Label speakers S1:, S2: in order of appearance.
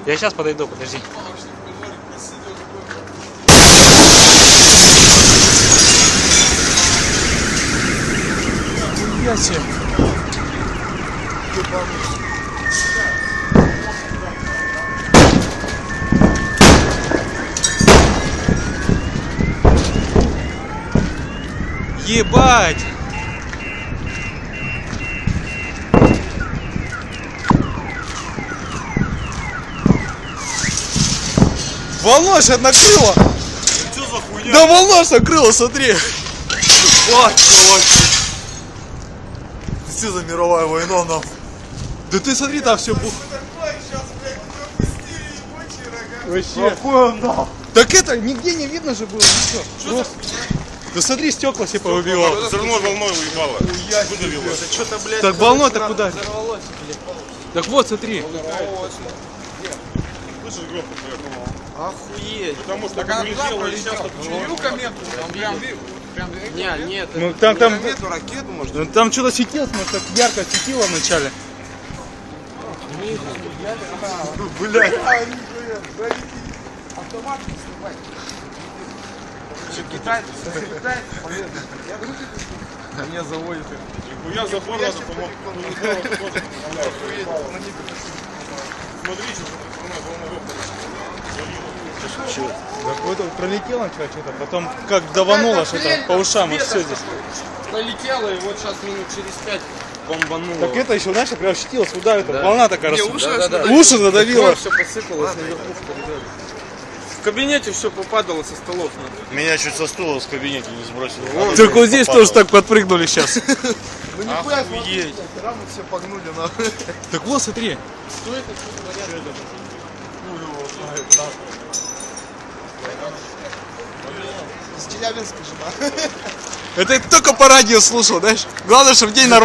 S1: Я сейчас подойду, подожди. Я себе. Ебать! Волна сейчас накрыла!
S2: Что за хуйня?
S1: Да волна ж накрыла, смотри!
S2: Вот, что за мировая война, нахуй?
S1: Да ты смотри, там все было. Вообще.
S2: Какой он, нахуй?
S1: Так это нигде не видно же было ничего. Просто. Да смотри, стекла все повыбивало.
S2: Все равно волной уебало. Выдавило.
S3: Что-то, блядь,
S1: Так волной-то куда?
S3: взорвалось, блядь.
S1: Так вот, смотри.
S2: Слышишь, громко поехал?
S3: Охуеть.
S2: Потому что так улетело, и сейчас
S3: Чую комету? Нет.
S1: Ну там,
S3: Комету, ракету, может?
S1: ну, там что-то светилось, может, так ярко светило вначале.
S2: Блядь.
S3: Автомат снимать. Что, китайцы? Меня заводит.
S2: Нихуя забор надо помог. Смотри, что
S1: Так вот пролетело что-то, потом как давануло что-то по ушам, и все здесь.
S3: Пролетело, и вот сейчас минут через 5 бомбануло.
S1: Так это еще, знаешь, прям ощутилось, куда это, волна такая
S3: Мне
S1: раз.
S3: уши
S1: Уши задавило.
S3: Все посыпалось наверху в коридоре. В кабинете все попадало со столов.
S2: Меня чуть со стула в кабинете не сбросили.
S1: Так вот здесь тоже так подпрыгнули сейчас.
S3: Ну нихуя,
S2: Охуеть.
S3: рамы все погнули нахуй.
S1: Так вот, смотри.
S3: Что это? С Челябинска жена.
S1: Это я только по радио слушал, знаешь. Главное, чтобы день на